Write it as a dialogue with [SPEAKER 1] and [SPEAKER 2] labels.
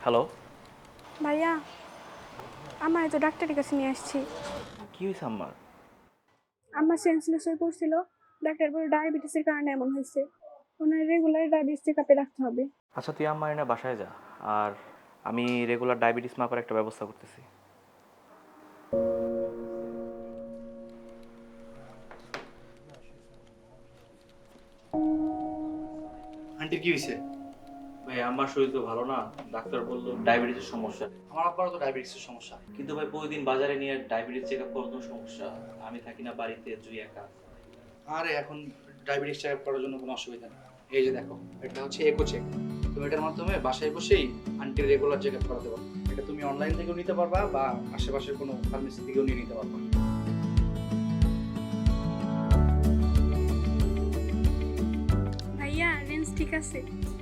[SPEAKER 1] Hello.
[SPEAKER 2] ভাইয়া, আমার তো ডাক্তারের কাছে নিয়ে আসছি।
[SPEAKER 1] কি হয়েছে আম্মার?
[SPEAKER 2] আমার সেন্সলেস হয়ে পড়ছিল। ডাক্তার বলে ডায়াবেটিসের কারণে এমন হয়েছে। ওনার রেগুলার ডায়াবেটিস চেক আপে রাখতে হবে।
[SPEAKER 1] আচ্ছা তুই আম্মার এনে বাসায় যা। আর আমি রেগুলার ডায়াবেটিস মাপার একটা ব্যবস্থা করতেছি।
[SPEAKER 3] আন্টির কি হয়েছে?
[SPEAKER 1] ভাই আমার শরীর তো ভালো না, ডাক্তার বললো ডায়াবেটিসের সমস্যা।
[SPEAKER 3] আমার আব্বারও তো ডায়াবেটিসের সমস্যা।
[SPEAKER 1] কিন্তু ভাই প্রতিদিন বাজারে নিয়ে ডায়াবেটিস চেক আপ করার সমস্যা। আমি থাকি না বাড়িতে, জুই একা।
[SPEAKER 3] আরে এখন ডায়াবেটিস চেক আপ করার জন্য কোনো অসুবিধা নেই। এই যে দেখো, এটা হচ্ছে ইকো চেক। তুমি এটার মাধ্যমে বাসায় বসেই আন্টির রেগুলার চেক আপ করাতে পারো। এটা তুমি অনলাইন থেকেও নিতে পারবা বা আশেপাশের কোনো ফার্মেসি থেকেও নিয়ে নিতে পারবা।
[SPEAKER 2] ভাইয়া রেঞ্জ ঠিক আছে?